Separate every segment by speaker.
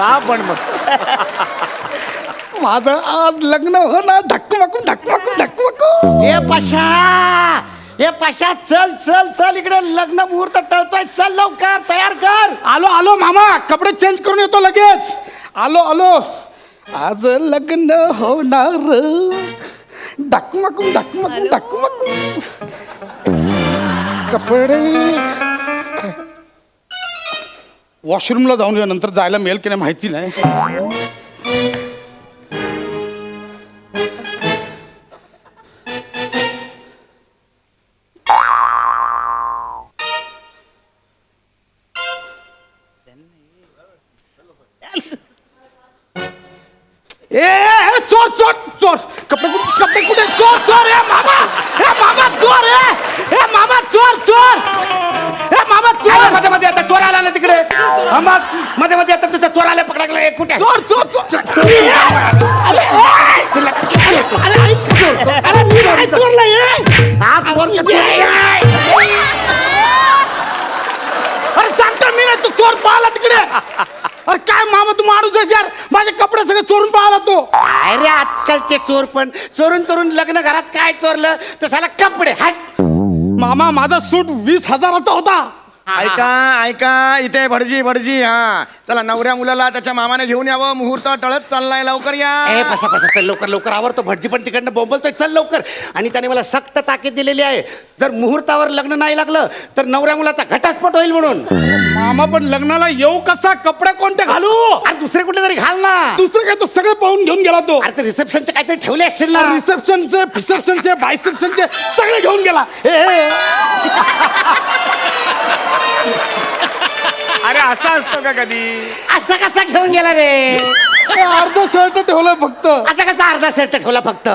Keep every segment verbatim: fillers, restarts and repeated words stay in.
Speaker 1: हा पण मग
Speaker 2: माझं आज लग्न हो ना धक्कमकू धक्कमकू धक्कमकू.
Speaker 3: ए पशा ए पशा चल चल चल इकडे लग्न मुहूर्त टळतोय चल लवकर तयार कर.
Speaker 2: आलो आलो मामा कपडे चेंज करून येतो लगेच. आलो आलो आज लग्न होणार धक्कमकू धक्कमकू धक्कमकू. कपडे वॉशरूमला जाऊन या नंतर जायला मिळेल की नाही माहिती नाही. ए, ए चोर चोर चोर कपडे कुठे कपडे कुठे चोर चोर ए मामा ए मामा चोर ए ए मामा चोर चोर ए मामा चोर.
Speaker 3: मध्ये मध्ये आता चोर आला ना तिकडे हा, मग मध्ये मध्ये आता तुझ्या चोर आले पकडला एक कुठे
Speaker 2: चोर चोर चोर चोर. ए, अरे ए, तुला- अरे ऐक चोर अरे मी नाही चोरला ए.
Speaker 3: हा चोर किती आहे?
Speaker 2: अरे सांगतो मी नाही तू चोर पाहिला तिकडे. अरे काय मामा तू माणूस आहेस यार माझे कपडे सगळे चोरून पाहिला तो.
Speaker 3: अरे आजकालचे चोर पण चोरून चोरून लग्न घरात काय चोरलं तर साला कपडे हट.
Speaker 2: मामा माझा सूट वीस हजाराचा होता.
Speaker 1: ऐका ऐका इथे भटजी भटजी हा चला नवऱ्या मुलाला त्याच्या मामाने घेऊन यावं मुहूर्त टळत चाललाय लवकर या.
Speaker 3: ए पसा पसा चल लवकर लवकर आवरतो भटजी पण तिकडनं बोंबलतोय चल लवकर. आणि त्याने मला सक्त ताकीद दिलेली आहे जर मुहूर्तावर लग्न नाही लागलं तर नवऱ्या मुलाचा घटस्फोट होईल म्हणून.
Speaker 2: मामा पण लग्नाला येऊ कसा कपडे कोणते घालू.
Speaker 3: अरे दुसरे कुठले तरी घाल ना.
Speaker 2: दुसरं काय तो सगळे पाहून घेऊन गेला तो.
Speaker 3: अरे ते रिसेप्शनचे काहीतरी ठेवले असतील ना.
Speaker 2: रिसेप्शनचे फिसेप्शनचे बायसेप्शनचे सगळे घेऊन गेला. ए, ए,
Speaker 1: अरे असं असतं का कधी.
Speaker 3: असं कसा घेऊन गेला रे.
Speaker 2: ए, अर्ध शर्ट ठेवलं फक्त.
Speaker 3: असा कसा अर्धा शर्ट ठेवला फक्त.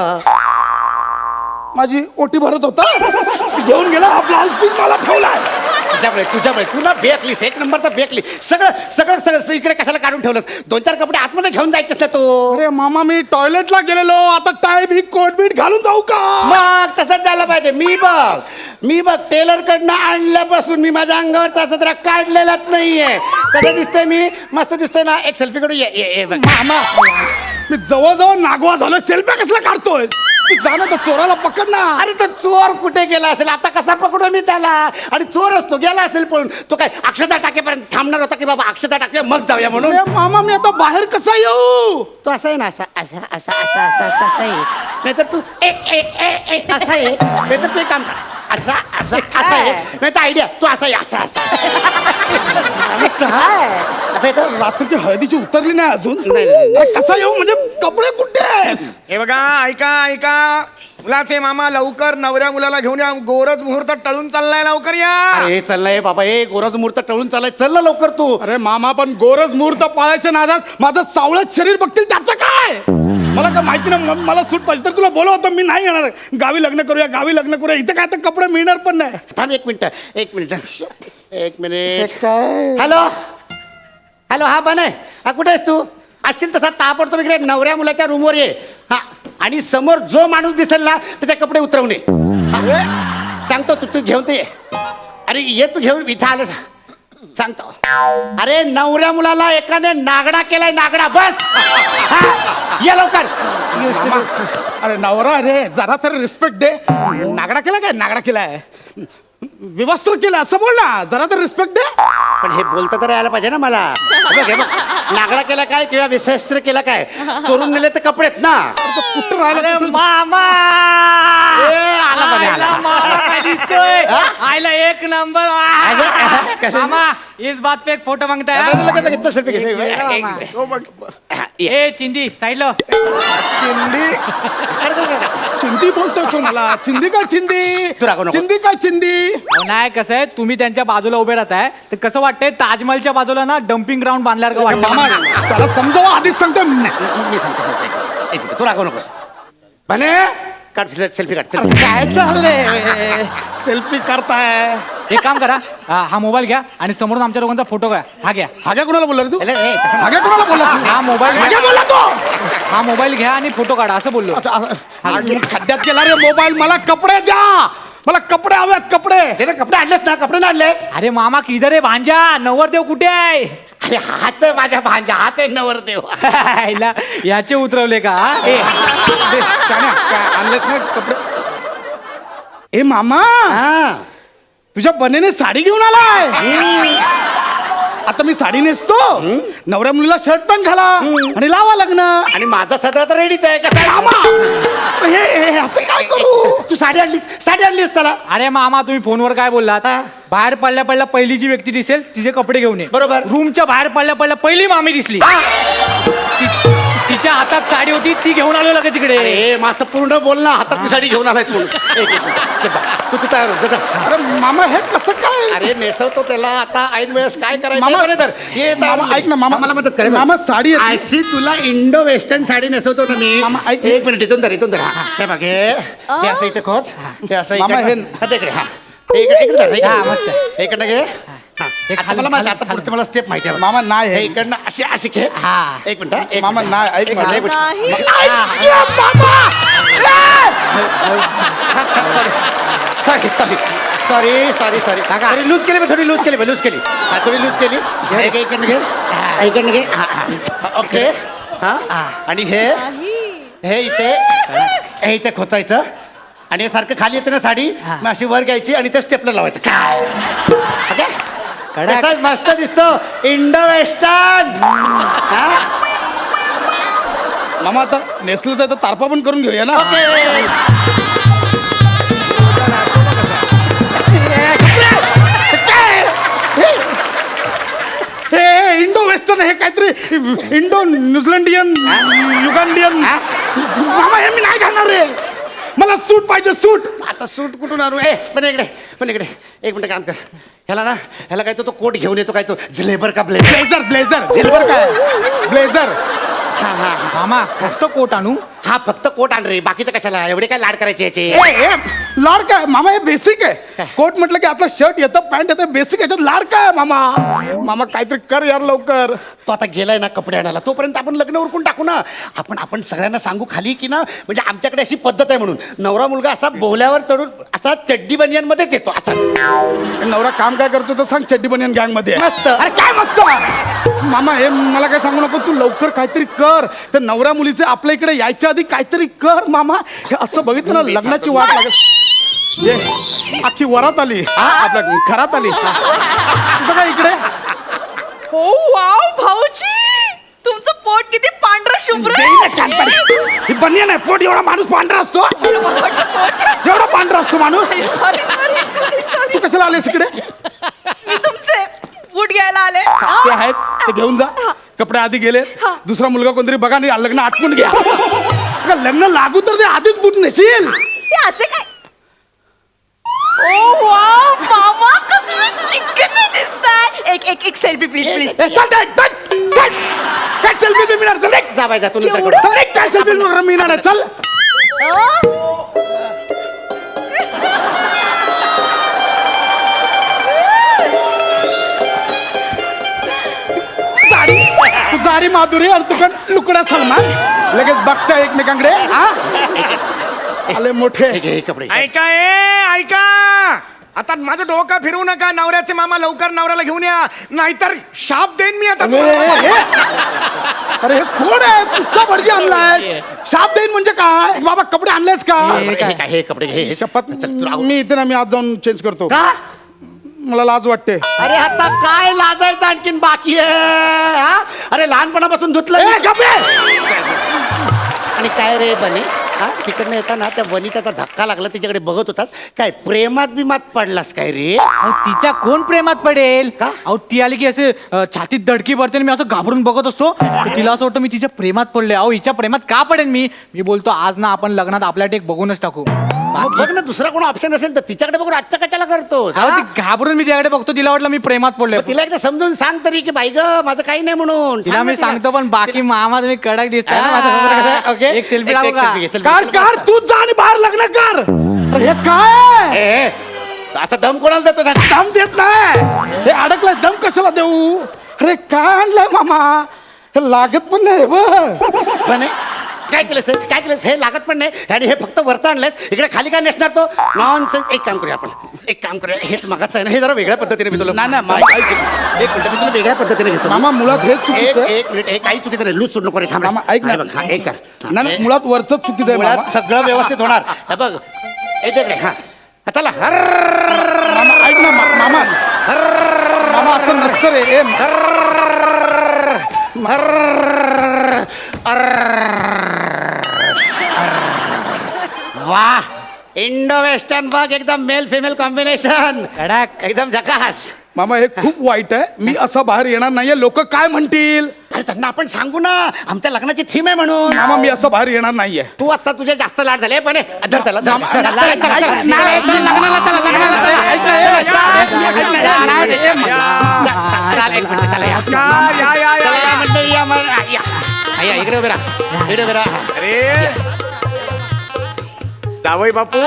Speaker 2: माझी ओटी भरत होता ती घेऊन गेला. हा ब्लाउज पीस मला ठेवलाय.
Speaker 3: तुझ्यामुळे तुझ्यामुळे तुला बेकलीस एक नंबरचा बेकली सगळं सगळं सगळं इकडे कशाला काढून ठेवलंस. दोन चार कपडे आतमध्ये घेऊन जायचेस ना तो.
Speaker 2: अरे मामा मी टॉयलेटला गेलेलो आता टाय बी कोट बीट घालून जाऊ का.
Speaker 3: मग तसंच झालं पाहिजे. मी बघ मी बघ टेलर कडनं आणल्यापासून मी माझ्या अंगावरचा सदरा काढलेलाच नाहीये. कसं दिसतोय मी मस्त दिसतोय ना. एक सेल्फी कडून ये ये ये बघ.
Speaker 2: मामा मी जवळजवळ नागवा झालो. सेल्फ्या कसला काढतोय तू. जाणं तर चोराला पकड ना.
Speaker 3: अरे तो चोर कुठे गेला असेल आता कसा पकडू मी त्याला. आणि चोर असतो गेला असेल पण तो काय अक्षता टाकेपर्यंत थांबणार होता की बाबा अक्षता टाके मग जाऊया म्हणून.
Speaker 2: अरे मामा मी आता बाहेर कसा येऊ.
Speaker 3: तो असा आहे ना असा असा असा असा असा असा असा आहे नाहीतर तू ए ए ए ए असा आहे नाहीतर तू एक काम कर असा असा असा आहे नाही तर आयडिया तू असा आहे असा असा असं आहे. असं आहे तर
Speaker 2: रात्रीची हळदीची उतरली नाही अजून.
Speaker 3: नाही, नाही, नाही.
Speaker 2: अरे कसा येऊ म्हणजे कपडे कुठे आहेत?
Speaker 1: हे बघा ऐका ऐका मुलाचे मामा लवकर नवऱ्या मुलाला घेऊन या गोरज मुहूर्त टळून चाललाय लवकर या.
Speaker 3: अरे चाललंय बाबा ए गोराज मुहूर्त टळून चाललाय चल ना लवकर तू.
Speaker 2: अरे मामा पण गोरज मुहूर्त पाळायच्या नादात माझं सावळत शरीर बघतील त्याचं काय. मला काय माहिती नाही म- मला सूट पाहिजे तर तुला बोलव होतं मी नाही येणार. गावी लग्न करूया गावी लग्न करूया इथे काय तर कपडे मिळणार पण नाही.
Speaker 3: थांब एक मिनिट एक मिनिट एक मिनिट.
Speaker 2: काय
Speaker 3: हॅलो हॅलो हा बन आहे हा कुठे आहेस तू. असशील तसा ताबडतोब इकडे नवऱ्या मुलाच्या रूमवर ये. हा आणि समोर जो माणूस दिसेल ना त्याचे कपडे उतरवणे. हा, सांगतो तू तू घेऊन ते ये. अरे ये तू घेऊन इथं आलं सांगतो. अरे नवऱ्या मुलाला एकाने नागडा केलाय नागडा बस. हा, ये लवकर.
Speaker 2: अरे नवरा अरे जरा तरी रिस्पेक्ट दे. नागडा केला काय नागडा केलाय विवस्त्र केलं असं बोल ना. जरा तर रिस्पेक्ट दे.
Speaker 3: पण हे बोलता तर यायला पाहिजे ना मला. हे बघ हे बघ नागडा केला काय किंवा विशस्त्र केला काय करून नेले तर कपडेत ना.
Speaker 2: कुठं राहिला
Speaker 4: अरे
Speaker 2: कुठं-
Speaker 4: मामा
Speaker 3: ए, आला बघ, आला.
Speaker 4: आयला मामा काय दिसतोय. आयला एक नंबर
Speaker 3: अरे, कसं-
Speaker 4: मामा इस बात पे एक फोटो मांगता है.
Speaker 3: लगेच- लगेच- लगेच चल selfie घे, selfie.
Speaker 4: ये
Speaker 3: एक
Speaker 4: मामा.
Speaker 3: मिनिट.
Speaker 1: हो बघ
Speaker 3: हा, ये.
Speaker 4: ए चिंदी साइड लो.
Speaker 1: चिंदी
Speaker 3: अरे, अरे, अरे.
Speaker 2: चिंदी बोलतोय तू मला. चिंदी काय चिंदी
Speaker 3: तू रागवू नको.
Speaker 2: चिंदी काय चिंदी.
Speaker 4: अहो, नाही कसं आहे तुम्ही त्यांच्या बाजूला उभे राहताय तर कसं वाटतंय ताजमहलच्या बाजूला ना डम्पिंग ग्राउंड बांधल्यावर का
Speaker 2: मामा
Speaker 4: वाटतं.
Speaker 2: त्याला समजावं आधीच सांगतो.
Speaker 3: मी सांगतो सांगतो एक- एक मिनिट तू रागवू नकोस. म्हणे काढ सेल्फी काढ selfie.
Speaker 2: काय चाललंय सेल्फी करताय.
Speaker 4: एक काम करा हा हा मोबाईल घ्या आणि समोरून आमच्या दोघांचा फोटो घ्या. हा घ्या
Speaker 2: हाग्या कुणाला बोलला रे तू.
Speaker 3: अरे, ए, तसं
Speaker 2: हाग्या कुणाला बोलला तू?
Speaker 4: हा मोबाईल
Speaker 2: हाग्या
Speaker 4: घ्या.
Speaker 2: बोलला तो.
Speaker 4: हा मोबाईल घ्या आणि फोटो काढा असं बोललो.
Speaker 2: अच्छा, असं- आणि खड्ड्यात गेला रे मोबाईल. मला कपडे द्या. मला कपडे हवेत कपडे.
Speaker 3: ते ना कपडे आणलेस ना, कपडे ना आणलेस?
Speaker 4: अरे मामा किधर आहे भांजा, नवरदेव कुठे आहे?
Speaker 3: अरे हाच आहे माझ्या भांजा, हाच आहे नवरदेव.
Speaker 4: आईला, याचे उतरवले का हा?
Speaker 2: ए, ए, शाण्या, काय आणलेत ना कपडे? ए मामा,
Speaker 3: हा.
Speaker 2: तुझ्या बनेने साडी घेऊन आलाय. आता मी साडी नेसतो, नवऱ्या मुलीला शर्ट पॅन्ट घाला आणि लावा लग्न.
Speaker 3: आणि माझा सदरा तर रेडीच आहे. कसा आहे?
Speaker 2: मामा, हे हे, ह्याचं काय करू?
Speaker 3: तू साडी आणलीस, साडी आणलीस चला.
Speaker 4: अरे मामा तुम्ही फोनवर काय बोललात?
Speaker 3: हा.
Speaker 4: बाहेर पडल्या पडल्या पहिली जी व्यक्ती दिसेल तिचे कपडे घेऊन ये.
Speaker 3: बरोबर.
Speaker 4: रूमच्या बाहेर पडल्या पडल्या पहिली मामी दिसली, ति- तिच्या हातात साडी होती, ती घेऊन आलो लगेच तिकडे.
Speaker 3: अरे माझं पूर्ण बोल ना, हातात साडी घेऊन आलाय तू. एक, एक मिनिट. चल बा. तू तू तयार हो, जा, जा.
Speaker 2: अरे मामा, हे कसं काय?
Speaker 3: अरे नेसवतो त्याला आता ऐन वेळेस काय करायचं
Speaker 2: मामा,
Speaker 3: बरं तर ये तर
Speaker 2: मामा, ऐक ना, मामा,
Speaker 3: मला मदत करे
Speaker 2: मामा, साडी येते.
Speaker 3: अशी तुला इंडो वेस्टर्न साडी नेसवतो ना मी.
Speaker 2: मामा, ऐक.
Speaker 3: एक मिनिट इथून धर, इथून धर. हा, हे बघ हे हे असं इथे खोच, हे असं
Speaker 2: मामा,
Speaker 3: इकडनं.
Speaker 2: हे-
Speaker 3: हा, ते इकडे, हा. हे इकडे, इकडे धर, इकडे.
Speaker 4: हा, मस्त.
Speaker 3: इकडनं घे. हा.
Speaker 4: हे
Speaker 3: आता
Speaker 4: खाली,
Speaker 3: मला माहिती,
Speaker 4: खाली,
Speaker 3: आता पुढचं मला स्टेप माहिती आहे.
Speaker 2: मामा, नाही
Speaker 3: हे
Speaker 2: हे.
Speaker 3: इकडनं अशी अशी खेच.
Speaker 4: हा.
Speaker 3: एक मिनिट हा, एक
Speaker 2: मामा,
Speaker 3: मिनिट.
Speaker 2: नाही, ऐक
Speaker 3: एक
Speaker 2: माझं.
Speaker 3: मिनिट, एक minute. Sorry sorry sorry sorry sorry थोडी लूज केली, थोडी लूज केली, लूज केली. हा, थोडी लूज केली. हे घे, इकडनं घे, हा, इकडनं घे. हा, हा. ओके. हा. आणि हे हे इथे हे इथे खोचायचं आणि हे सारखं खाली येते ना साडी, मग अशी वर घ्यायची आणि ते स्टेपला लावायचं. काय ओके?
Speaker 4: कडक.
Speaker 3: कसा मस्त दिसतो इंडो वेस्टर्न. हा.
Speaker 2: मामा, आता नेसलं तर तारपा पण करून घेऊया ना.
Speaker 3: ओके.
Speaker 2: हे इंडो वेस्टर्न, हे काहीतरी इंडो न्यूझीलंडियन युगांडियन. मामा, हे मी नाही घालणार रे. मला सूट पाहिजे, सूट.
Speaker 3: आता सूट कुठून आणू? ए पण इकडे, पण इकडे एक मिनिट काम कर. ह्याला ना, ह्याला काय तो तो कोट घेऊन येतो, काय तो झलेबर का ब्लेझर.
Speaker 2: ब्लेझर, ब्लेझर, झेलवर काय ब्लेझर.
Speaker 3: हा हा
Speaker 4: मामा फक्त कोट आणू?
Speaker 3: हा, फक्त कोट आण रे, बाकीचं कशाला, एवढे काय लाड करायचे याचे.
Speaker 2: ए, ए, लाड काय मामा, हे बेसिक आहे. कोट म्हटलं की आतलं शर्ट येतं, पॅन्ट येतं, बेसिक याच्यात लाड काय मामा? मामा काहीतरी कर यार लवकर.
Speaker 3: तो आता गेलाय ना कपडे आणायला, तोपर्यंत आपण लग्न उरकून टाकू ना. आपण आपण सगळ्यांना सांगू खाली की ना, म्हणजे आमच्याकडे अशी पद्धत आहे म्हणून, नवरा मुलगा असा बोहल्यावर चढून असा चड्डी बनियांमध्येच येतो असा.
Speaker 2: नवरा काम काय करतो तर सांग, चड्डी बनियन गँग मध्ये.
Speaker 3: मस्त.
Speaker 2: अरे काय मस्त. मामा, हे मला काय सांगू नको, तू लवकर काहीतरी कर. तर नवऱ्या मुलीचे आपल्या इकडे यायच्या आधी काहीतरी कर मामा. हे असं बघितलं ना, लग्नाची वाट लागत. ये अख्खी वरात आली, आपल्या घरात आली. तुझं काय इकडे?
Speaker 5: हो वाव भाऊजी, तुमचं पोट किती पांढरं शुभ्र
Speaker 2: देई ना कानपडी. ही बनियन आहे, पोट एवढा माणूस पांढरा असतो, एवढा पांढरा असतो माणूस.
Speaker 5: सॉरी सॉरी
Speaker 2: तू कशाला आलेस इकडे?
Speaker 5: मी तुमचे बूट घ्यायला आले.
Speaker 2: ते आहेत, ते घेऊन जा. कपडे आधी गेले, दुसरा मुलगा कोणतरी बघा, नाही लग्न आटपून घ्या. अगं, लग्न लागू तर ते आधीच बूट नेशील.
Speaker 5: ते असे काय? ओ वाव मामा, कसलं चिकन दिसताय. एक एक एक सेल्फी प्लीज
Speaker 2: ए,
Speaker 5: प्लीज.
Speaker 2: चल, चल, चल, चल. काय सेल्फी बी मिळणार? चल एक.
Speaker 3: जा बाय, जा तू
Speaker 5: एवढं?
Speaker 3: नंतर
Speaker 2: चल एक, काय सेल्फी मिळणार आहे? चल. साडी, तू साडी माधुरी आणि तुकन लुकडा सलमान. लगेच बघता एकमेकांकडे. हा? आले मोठे.
Speaker 3: हे घे, हे कपडे.
Speaker 1: ऐका ए ऐका, आता माझं डोकं फिरवू नका. नवऱ्याचे मामा लवकर नवऱ्याला घेऊन या, नाहीतर शाप देईन मी आता
Speaker 2: अरे
Speaker 1: तुम्हाला.
Speaker 2: हे- अरे हे कोण आहे? कुठचा भटजी आणलायस? शाप देईन म्हणजे काय? बाबा कपडे आणलेस का?
Speaker 3: हे काय, हे कपडे घे. हे-
Speaker 2: शपथ,
Speaker 3: चल, तू राहू.
Speaker 2: मी इथे ना, मी आज जाऊन चेंज करतो.
Speaker 3: का?
Speaker 2: मला लाज वाटते.
Speaker 3: अरे आता काय लाजायचं आणखीन बाकी आहे? हा? अरे लहानपणापासून धुतलं
Speaker 2: ए,
Speaker 3: मी.
Speaker 2: गप्प रे!
Speaker 3: आणि काय रे बने, हा तिकडनं येताना त्या वनिताचा धक्का लागला, तिच्याकडे बघत होतास काय, प्रेमात बिमात पडलास काय रे?
Speaker 4: अहो तिच्या कोण प्रेमात पडेल
Speaker 3: का?
Speaker 4: अहो ती आली की असे अ, छातीत धडकी पडते आणि मी असं घाबरून बघत असतो. तर तिला असं वाटतं मी तिच्या प्रेमात पडले. अहो हिच्या प्रेमात का पडेन मी? मी बोलतो आज ना आपण लग्नात आपल्या टेक बघूनच टाकू.
Speaker 3: मग बघ ना, दुसरा कोण ऑप्शन असेल तर तिच्याकडे बघून आजचा कशाला करतोस?
Speaker 4: अहो
Speaker 3: हा?
Speaker 4: ती घाबरून मी तिच्याकडे बघतो, तिला वाटलं मी प्रेमात पडले.
Speaker 3: मग तिला एकदा समजून सांग तरी की बाई ग, माझं काही नाही म्हणून.
Speaker 4: तिला
Speaker 3: सांग ना
Speaker 4: मी सांगतो, पण बाकी मामा तुम्ही कडक दिसताय ना माझ्या समोर कसं.
Speaker 3: हा, ओके.
Speaker 4: एक सेल्फी
Speaker 3: एक-
Speaker 4: लागू
Speaker 3: एक
Speaker 4: का?
Speaker 3: selfie घे, selfie.
Speaker 2: कार कार तूच जा आणि बाहेर लग्न कर. अरे हे काय?
Speaker 3: ए, ए, असा दम कोणाला देतो?
Speaker 2: दम देत नाही. हे अडकलाय, दम कशाला देऊ? अरे काय आणलंय मामा? हे लागत पण नाही बघ.
Speaker 3: बने, काय केलंस हे? काय केलंस हे लागत पण नाही आणि हे फक्त वरचं आणलंयस इकडे खाली काय नेसणार तो नॉन सेन्स. एक काम करूया आपण एक काम करूया हेच मागाचं आहे ना हे जरा वेगळ्या पद्धतीने मी तुला
Speaker 2: नाही, नाही, मामा,
Speaker 3: ऐक, ऐक, एक मिनिट मी तुला वेगळ्या पद्धतीने घेतो
Speaker 2: मामा मुळात हेच
Speaker 3: एक
Speaker 2: चुकीचं आहे.
Speaker 3: एक मिनिट एक काही चुकीचं नाही लूज सोड नको रे थांब
Speaker 2: मामा, ऐक ना.
Speaker 3: हा, बघ, हा, एक कर हा,
Speaker 2: नाही नाही,
Speaker 3: हे-
Speaker 2: मुळात वरचंच चुकीचं आहे
Speaker 3: मुळात
Speaker 2: मामा.
Speaker 3: सगळं व्यवस्थित होणार हे बघ हे देख रे हा हा, चला हर
Speaker 2: मामा ऐक ना मा- मामा मामा असं नसतं रे ए,
Speaker 3: वाह इंडो वेस्टर्न बघ एकदम मेल फिमेल कॉम्बिनेशन एकदम झकास.
Speaker 2: मामा हे खूप वाईट आहे. मी असं बाहेर येणार नाहीये. लोक काय म्हणतील?
Speaker 3: अरे त्यांना आपण सांगू ना आमच्या लग्नाची थीम आहे म्हणून.
Speaker 2: मामा मी असं बाहेर येणार नाहीये.
Speaker 3: तू आता तुझे जास्त लाड झाले पण हे, धर त्याला, धर,
Speaker 2: मामा,
Speaker 3: धर,
Speaker 2: ऐक,
Speaker 3: चला,
Speaker 2: ऐक,
Speaker 3: चला,
Speaker 2: ऐक,
Speaker 3: चला,
Speaker 2: ऐक,
Speaker 3: चला,
Speaker 2: ऐक,
Speaker 3: चला, लग्नाला चला, लग्नाला चला.
Speaker 2: ऐक, ऐक, ऐक, ऐक,
Speaker 3: चला, चला, एक मिनिट, चला, या.
Speaker 1: या या या
Speaker 3: चला,
Speaker 1: या
Speaker 3: या मंडळी, या, मग, या. हा, या, इकडे उभे राहा इकडे उभे राहा.
Speaker 1: अरे जावई बापू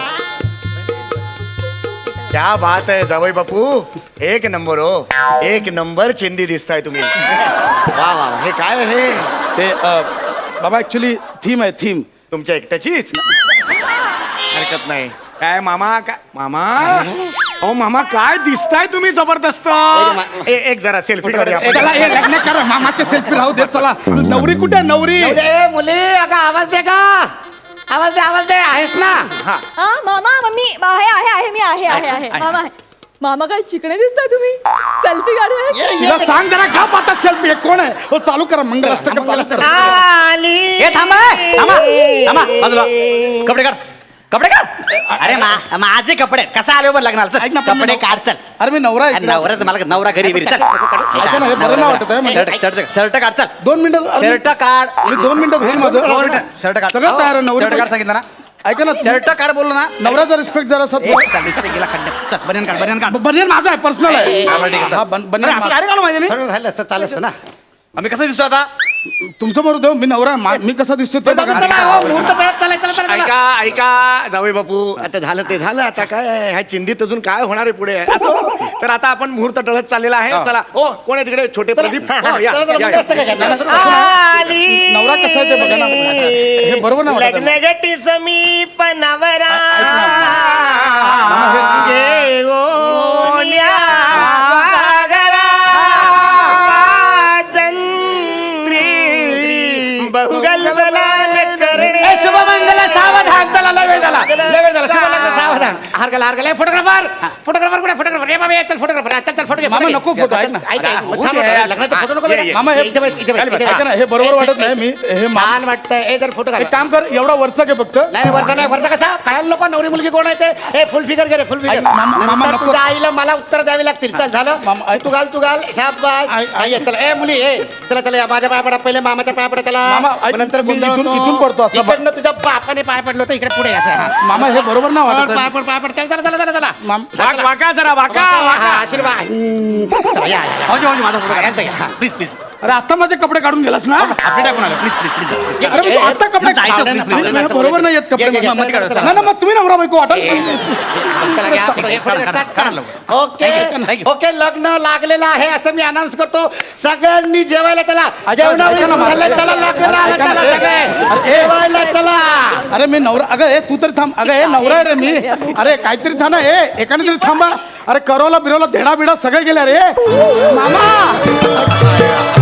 Speaker 1: क्या बात आहे जावई बापू एक नंबर हो एक नंबर चिंदी दिसताय तुम्ही वा वा वा. हे काय आहे हे
Speaker 2: ते अ, बाबा ऍक्च्युली थीम आहे थीम.
Speaker 1: तुमच्या एकट्याचीच हरकत नाही काय मामा काय मामा अहो मामा काय दिसताय तुम्ही जबरदस्त ए- एक जरा सेल्फी करूया आपण.
Speaker 2: चला हे लग्न करा मामाच्या सेल्फी राहू दे. चला नवरी कुठे आहे? नवरी
Speaker 3: ए, मुली अगं आवाज दे का आवाज दे आवाज दे आहेस ना.
Speaker 1: हा
Speaker 5: हा मामा मम्मी आहे आहे आहे मी आहे आहे आहे मामा आहे मामा काय चिकणे दिसताय तुम्ही सेल्फी काढूया
Speaker 3: ये, ये,
Speaker 2: तिला सांग जरा का पाहता सेल्फी कोण आहे? हो चालू करा मंगलाष्टक चालू करा.
Speaker 4: हे थांबा थांबा थांबा बाजूला कपडे काढ कपडे काढ अरे मा माझे कपडे कसा आले बरं लग्नाला
Speaker 2: ऐक ना,
Speaker 4: चल
Speaker 2: पण
Speaker 4: कपडे
Speaker 2: मी-
Speaker 4: काढ चल
Speaker 2: अरे मी नवरा आहे
Speaker 4: अरे
Speaker 2: इकडे.
Speaker 4: नवरा मला नवरा घरी बिरी चल
Speaker 2: ऐका ना, हे बरं नाही वाटत आहे म्हणजे.
Speaker 4: शर्ट शर्ट शर्ट काढ चल
Speaker 2: दोन मिनिटं अरे,
Speaker 4: शर्ट काढ
Speaker 2: मी दोन मिनिटात होईल माझं.
Speaker 4: दोन मिनिटं. शर्ट काढ
Speaker 2: सगळं तयार आहे
Speaker 4: शर्ट काढ
Speaker 2: नवरी.
Speaker 4: सांगितलं ना
Speaker 2: ऐका ना
Speaker 4: शर्ट काढ बोललो ना
Speaker 2: नवऱ्याचा रिस्पेक्ट जरा सर
Speaker 4: ए, चल रिस्पेक्ट गेला खड्ड्यात चल बनियन काढ बनियन काढ
Speaker 2: बनियन माझा आहे पर्सनल आहे.
Speaker 4: हा, बरं, ठीक आहे, चल.
Speaker 2: हा, बन- बनियन
Speaker 4: अरे, असं
Speaker 2: माझा.
Speaker 4: काय काढू माहिती मी
Speaker 3: थोडं राहिलं असतं चालत असतं ना.
Speaker 4: आम्ही कसं दिसतो आता
Speaker 2: तुमचं बरोबर देऊ मी नवरा आहे. मा- मी कसा दिसतो ते
Speaker 3: चला,
Speaker 2: बघा.
Speaker 3: चला, हो, मुहूर्त तळत चला, चला, चला, चला.
Speaker 1: ऐका ऐका जावई बापू आता झालं ते झालं आता काय आहे? ह्या चिंधीत अजून काय होणार आहे पुढे असं तर आता आपण मुहूर्त टळत चाललेला आहे चला ओ कोण आहे तिकडे छोटे प्रदीप हा, हा, या,
Speaker 3: चला, चला,
Speaker 1: या,
Speaker 3: मुहूर्त असतं
Speaker 1: या.
Speaker 3: काय? चला, चला,
Speaker 2: नवरा नवरा कसा आहे ते बघा ना. हे बरोबर नाही वाटत आहे.
Speaker 6: लग्नगटी समीप नवरा
Speaker 2: मामा, हे-
Speaker 6: घेऊल्या सागरा वाजंत्री बहुगलबलाल करणे
Speaker 3: ए, शुभमंगल सावधान चला लय वेळ झाला लय वेळ झाला शुभमंगल सावधान हार गेला हार गेला फोटोग्राफर फोटोग्राफर कुठे फोटोग्राफर रे बाबा ये, चल फोटोग्राफर चल चल फोटो घे
Speaker 2: मामा,
Speaker 3: फोटो घे.
Speaker 2: नको फोटो, ऐक ना.
Speaker 3: ऐक, ऐक,
Speaker 1: अरे,
Speaker 3: छान
Speaker 1: होऊ दे.
Speaker 3: वाटतं. लग्नाचा फोटो नको
Speaker 1: ये,
Speaker 3: बघा.
Speaker 1: ये.
Speaker 2: मामा, हे-
Speaker 3: इथे बस, इथे बस,
Speaker 2: ऐका
Speaker 3: इथे
Speaker 2: ना,
Speaker 3: बस.
Speaker 2: हे बरोबर वाटत नाही. मी हे मा-
Speaker 3: छान वाटतंय ए जर फोटो
Speaker 2: एक
Speaker 3: घाला
Speaker 2: काम कर एवढा वरचा घे फक्त.
Speaker 3: नाही वरचा नाही वरचा कसा कळायला नको नवरी मुलगी कोण आहे ते ए फुल फिगर घे रे फुल फिगर
Speaker 2: ऐक, मामा, मामा,
Speaker 3: नंतर
Speaker 2: नको.
Speaker 3: तुझ्या आईला मला उत्तर द्यावी लागतील चल झालं
Speaker 2: मामा, ऐक.
Speaker 3: तू घाल तू घाल शाबास
Speaker 2: ऐक, ऐक.
Speaker 3: आई, ये, चला ए मुली ए चला चला या माझ्या पाया पडा पहिले मामाच्या पाया पडा चला
Speaker 2: मामा, ऐक,
Speaker 3: मग नंतर
Speaker 2: मी
Speaker 3: गोंधळ
Speaker 2: इथून-
Speaker 3: होतो.
Speaker 2: इथून पडतो असं.
Speaker 3: इकडनं तुझ्या बापाने पाय पडलं होतं इकडे पुढे असं हा.
Speaker 2: मामा हे बरोबर नाही वाटत
Speaker 3: पाय
Speaker 2: आहे.
Speaker 3: पड पाय पड चल चला चला चला चला
Speaker 2: माम-
Speaker 1: वाक- वाका जरा वाका
Speaker 3: हा,
Speaker 1: वाका
Speaker 3: आशीर्वाद हम्म. चला, या, या, या.
Speaker 4: भाऊजी भाऊजी माझा फोटो
Speaker 3: हा, यांचं घ्या, हा.
Speaker 4: प्लीज प्लीज
Speaker 2: अरे आता माझे कपडे काढून गेलास ना.
Speaker 4: आपले टाकून आलो प्लीज प्लीज प्लीज
Speaker 2: अरे मी आता कपडे
Speaker 4: जायचं,
Speaker 2: काढले
Speaker 4: please,
Speaker 2: ना.
Speaker 4: please.
Speaker 2: नाही, नाही, बरोबर नाही येत कपडे.
Speaker 3: घे, घे, घे,
Speaker 2: मामा,
Speaker 3: चला, चला.
Speaker 2: नाही ना मग तुम्ही नवरा बायको वाटत
Speaker 3: चला, घ्या, फोटो घे, फोटो घे,
Speaker 4: काढा,
Speaker 3: चल,
Speaker 4: काढा
Speaker 3: चल.
Speaker 4: लवकर.
Speaker 3: Okay
Speaker 4: Thank you.
Speaker 3: ओके लग्न लागलेलं आहे असं मी अनाऊन्स करतो सगळ्यांनी जेवायला चला जेवणावळी
Speaker 2: ऐका ना, माझं-
Speaker 3: झालं, चला लग्न आलं,
Speaker 2: ऐका ना,
Speaker 3: चला
Speaker 2: ए,
Speaker 3: सगळे जेवायला चला
Speaker 2: अरे मी नवरा अगं हे तू तरी थांब अगं हे नवरा आहे रे मी. अरे काहीतरी थांबा हे एकाने तरी थांबा. अरे करवला बिरवला धेडा बिडा सगळे गेले रे मामा.